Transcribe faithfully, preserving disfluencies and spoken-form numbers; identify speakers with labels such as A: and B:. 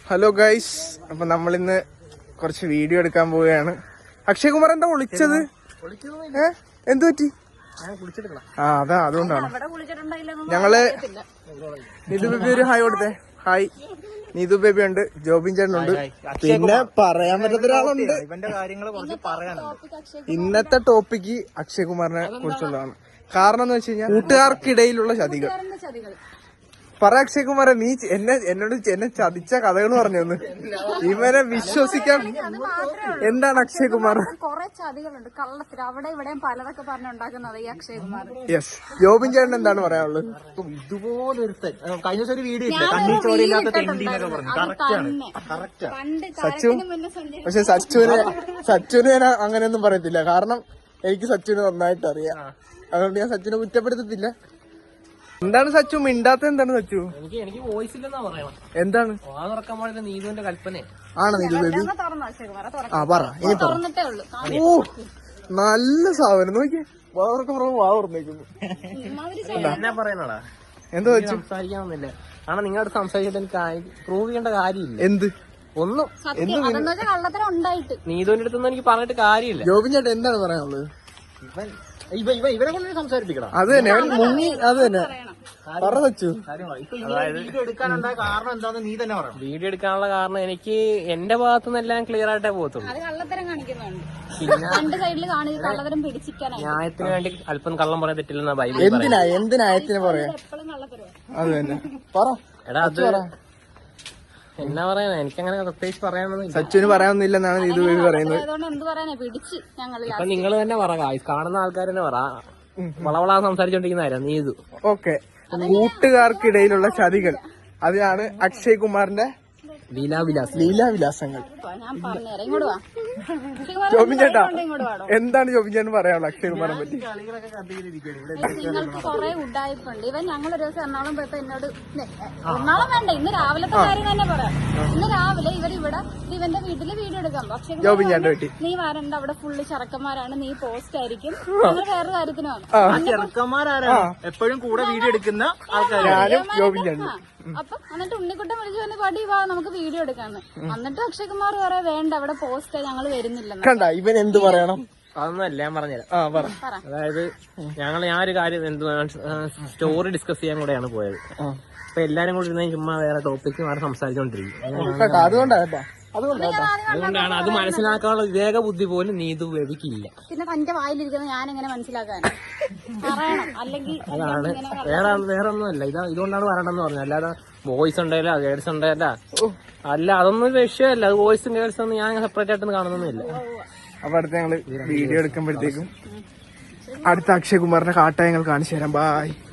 A: Hello guys, അപ്പൊ നമ്മളിന്ന് കുറച്ച് വീഡിയോ എടുക്കാൻ പോവുകയാണ്. അക്ഷയ് കുമാർ എന്താ വിളിച്ചത്? ഏ എന്തു പറ്റി? ആ അതാ അതുകൊണ്ടാണ്. ഞങ്ങള് നീതു ബേബി ഒരു ഹായ് കൊടുത്തേ. ഹായ്. നീതു ബേബി ഉണ്ട്, ജോബിൻ ചേട്ടനുണ്ട്, പിന്നെ പറയാൻ പറ്റാത്ത ഒരാളുണ്ട്. ഇന്നത്തെ ടോപ്പിക്ക് അക്ഷയ് കുമാറിനെ കുറിച്ചുള്ളതാണ്. കാരണം എന്ന് വെച്ച് കഴിഞ്ഞാൽ കൂട്ടുകാർക്കിടയിലുള്ള ചതികൾ. പറ അക്ഷയ് കുമാറെ, നീ എന്നെ എന്നോട് എന്നെ ചതിച്ച കഥകൾ പറഞ്ഞു തന്നു. ഇവനെ വിശ്വസിക്കാൻ എന്താണ് അക്ഷയ് കുമാർ?
B: കുറെ ചതികളുണ്ട്, കള്ളത്തിൽ അവിടെ ഇവിടെയും പലതൊക്കെ പറഞ്ഞുണ്ടാക്കുന്നത് ഈ അക്ഷയ് കുമാർ.
A: യെസ്. ജോബിൻ ചേട്ടൻ എന്താണ് പറയാനുള്ളത്?
C: ഇതുപോലൊരു കഴിഞ്ഞ ദിവസം ഒരു വീഡിയോ ഇല്ല, കണ്ണീർ ചോരയില്ലാത്ത തെണ്ടിന്നൊക്കെ പറഞ്ഞു.
A: സച്ചു, പക്ഷെ സച്ചുവിനെ സച്ചുവിനെ ഞാൻ അങ്ങനെയൊന്നും പറയത്തില്ല. കാരണം എനിക്ക് സച്ചുവിനെ നന്നായിട്ട് അറിയാം. അതുകൊണ്ട് ഞാൻ സച്ചുവിനെ കുറ്റപ്പെടുത്തത്തില്ല. എന്താണ് സച്ചു മിണ്ടാത്ത? എന്താണ് സച്ചു?
C: എനിക്ക് എനിക്ക് വോയിസ് ഇല്ലെന്നാ പറയണം.
A: എന്താണ്
C: തുറക്കാൻ പാടില്ല, നീതുവിന്റെ കൽപ്പന
A: ആണ്. നീതു ബേബി ആ പറ, ഇനി പറ. ഓ നല്ല സാധനം നോക്കിയേ, വാവർക്ക പുറമെ വാ തുറന്നേക്കുന്നു.
C: എന്നാ പറയുന്നടാ?
A: എന്താ വെച്ചു?
C: സംസാരിക്കാനൊന്നുമില്ല. കാരണം നിങ്ങളുടെ സംസാരിച്ചിട്ട് എനിക്ക് പ്രൂവ് ചെയ്യേണ്ട കാര്യമില്ല.
A: എന്ത്
C: ഒന്നും നീതുവിന്റെ അടുത്തൊന്നും എനിക്ക് പറഞ്ഞിട്ട് കാര്യമില്ല.
A: ജോബിൻ ചേട്ടൻ എന്താണ് പറയാനുള്ളത്?
C: ഇവ ഇവ ഇവരെ കൊണ്ട് സംസാരിപ്പിക്കണം.
A: അത് തന്നെ, അവൻ മുങ്ങി. അത് തന്നെ പറ വെച്ചു.
C: വീഡിയോ എടുക്കാനുണ്ടായ കാരണം എന്താന്ന് നീ തന്നെ പറയാം. വീഡിയോ എടുക്കാനുള്ള കാരണം എനിക്ക് എന്റെ ഭാഗത്തുനിന്ന് എല്ലാം ക്ലിയർ ആയിട്ടേ പോകത്തുള്ളൂ. ന്യായത്തിന് വേണ്ടി അല്പം കള്ളം പറയാൻ തെറ്റില്ലെന്ന ബൈബിൾ.
A: എന്തിനാ എന്തിനായത്തിന് പറയാ? അത് തന്നെ പറ.
C: എടാ അത് എന്നാ പറയാനാ, എനിക്കങ്ങനെ പ്രത്യേകിച്ച് പറയാനൊന്നും.
A: സച്ചുവിന് പറയാനൊന്നുമില്ലെന്നാണ് നീതു ബേബി പറയുന്നത്.
C: ഇപ്പൊ നിങ്ങൾ തന്നെ പറ, കാണുന്ന ആൾക്കാർ തന്നെ പറ. വളവളാ സംസാരിച്ചോണ്ടിരിക്കുന്നതായിരുന്നു നീതു.
A: ഓക്കെ, കൂട്ടുകാർക്കിടയിലുള്ള ചതികൾ, അതിനാണ് അക്ഷയ് കുമാറിന്റെ
C: ലീലാവിലാസ്
A: ലീലാവിലാസങ്ങൾ. ജോബിൻ ചേട്ടാ, എന്താണ് ജോബിൻ ചേട്ടൻ പറയാനുള്ളത് അക്ഷയ് കുമാറിനെ പറ്റി?
B: നിങ്ങൾക്ക് കുറെ ഉഡായിപ്പുണ്ട്. ഇവൻ ഞങ്ങളൊരു ദിവസം എറണാകുളം പോയപ്പോ എന്നോട്, എറണാകുളം വേണ്ട, ഇന്ന് രാവിലത്തെ കാര്യം തന്നെ പറയാം. ഇന്ന് രാവിലെ ഇവരിവിടെ ഇവന്റെ വീട്ടില് വീഡിയോ എടുക്കാം. പക്ഷെ നീ വരണ്ട, അവിടെ ഫുള്ള് ചെറുക്കന്മാരാണ്, നീ പോസ്റ്റ് ആയിരിക്കും. ഞങ്ങൾ വേറെ കാര്യത്തിന് വന്നു.
C: ചെറുക്കന്മാരാണ് എപ്പോഴും കൂടെ വീഡിയോ എടുക്കുന്ന ആൾക്കാർ.
B: അപ്പൊ എന്നിട്ട് ഉണ്ണിക്കുട്ടൻ വിളിച്ചു പറഞ്ഞ പടി വാ നമുക്ക് വീഡിയോ എടുക്കാന്ന്. എന്നിട്ട് അക്ഷയ് കുമാർ പറയാ വേണ്ട, അവിടെ പോസ്റ്റ് ഞങ്ങൾ വരുന്നില്ല.
A: കണ്ട ഇവൻ എന്ത് പറയണം?
C: അതൊന്നുമല്ല, ഞാൻ പറഞ്ഞുതരാം. അതായത് ഞങ്ങൾ ഞാൻ ഒരു കാര്യം എന്ത് സ്റ്റോറി ഡിസ്കസ് ചെയ്യാൻ കൂടെയാണ് പോയത്. അപ്പൊ എല്ലാരും കൂടി ഇരുന്ന ചുമ്മാ വേറെ ടോപ്പിക്ക് മാറി സംസാരിച്ചോണ്ടിരിക്കും. അതുകൊണ്ടാണ് അത് മനസ്സിലാക്കാനുള്ള വിവേക ബുദ്ധി പോലും നീതു ബേബിക്കില്ല.
B: പിന്നെ തന്റെ വായിലിരിക്കുന്നത് ഞാൻ എങ്ങനെ മനസ്സിലാക്കാൻ പറയണം? അല്ലെങ്കിൽ
C: അതാണ് വേറെ വേറെ ഒന്നുമല്ല. ഇതാ ഇതുകൊണ്ടാണ് പറയണമെന്ന് പറഞ്ഞത്. അല്ലാതെ ബോയ്സ് ഉണ്ടായില്ല ഗേൾസ് ഉണ്ടായില്ല അല്ല, അതൊന്നും ഒരു വിഷയമല്ല. അത് ബോയ്സും ഗേൾസും ഒന്നും ഞാൻ സെപ്പറേറ്റ് ആയിട്ടൊന്നും കാണുന്നൊന്നുമില്ല.
A: അപ്പൊ അടുത്ത ഞങ്ങള് വീഡിയോ എടുക്കുമ്പോഴത്തേക്കും അടുത്ത അക്ഷയ് കുമാറിന്റെ കാട്ടായങ്ങൾ കാണിച്ചു തരാം. ബായ്.